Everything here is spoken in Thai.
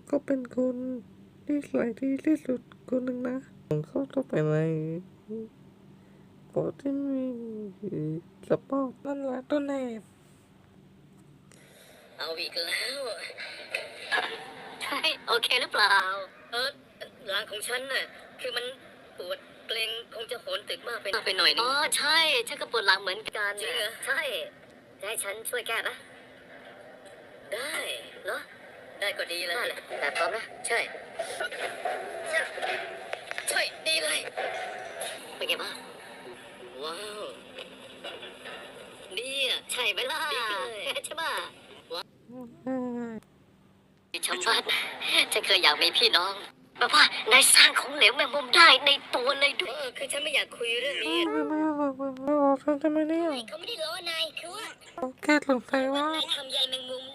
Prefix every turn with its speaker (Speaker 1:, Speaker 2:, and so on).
Speaker 1: ก็เป็นคนที่สวยที่สุดคนหนึ่งนะเขาต้องไปในโปรที่มีสปอร์ตนั่นแหละต้นเหตุ
Speaker 2: เอาอีกแล้วใช่โอเคหรือเปล่าหลังของฉันน่ะคือมันปวดเกร็งคงจะโหนตึกมากไปหน่อยนึงอ๋อใช่ฉันก็ปวดหลังเหมือนกันจริงเหรอใช่จะให้ฉันช่วยแก้ปะได้เหรอได้ก็ดีเลยแต่พร้อมนะใช่ดีเลยเป็นไงบ้างว้าวดีอ่ะใช่ไหมล่ะดีเลยใช่ป่ะชมบัดฉันเคยอยากมีพี่น้องแบบว่านายสร้างของเหลวแมงมุมได้ในตัวเลยด้วยคือฉันไม่อยากคุยเรื่องนี้
Speaker 1: ไม่บอกทำไมเนี่ย
Speaker 2: เขาไม่ได้ล้อนายคือว่า
Speaker 1: แค่สงสัยว่าน
Speaker 2: ายทำใยแมงมุม